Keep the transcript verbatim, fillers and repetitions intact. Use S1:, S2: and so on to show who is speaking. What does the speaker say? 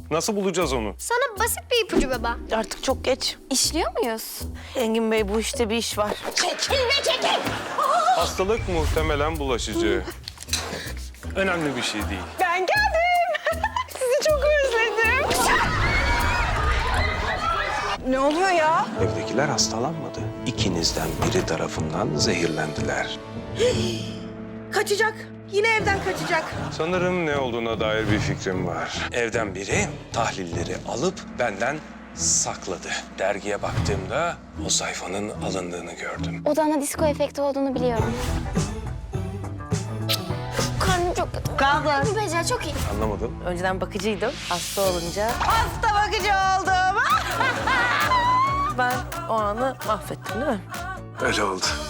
S1: Nasıl bulacağız onu?
S2: Sana basit bir ipucu baba.
S3: Artık çok geç.
S2: İşliyor muyuz?
S3: Engin Bey bu işte bir iş var.
S1: Hastalık muhtemelen bulaşıcı. Önemli bir şey değil.
S3: Ben geldim. Sizi çok özledim. Ne oluyor ya?
S4: Evdekiler hastalanmadı. İkinizden biri tarafından zehirlendiler.
S3: Kaçacak. Yine evden kaçacak.
S1: Sanırım ne olduğuna dair bir fikrim var. Evden biri tahlilleri alıp benden sakladı. Dergiye baktığımda o sayfanın alındığını gördüm.
S2: Odanda disco efekti olduğunu biliyorum. Karnım çok kötü.
S3: Kaldır.
S2: Bu Becer çok iyi.
S1: Anlamadım.
S3: Önceden bakıcıydım. Hasta olunca hasta bakıcı oldum. Ben o anı mahvettim değil mi?
S4: Öyle oldu.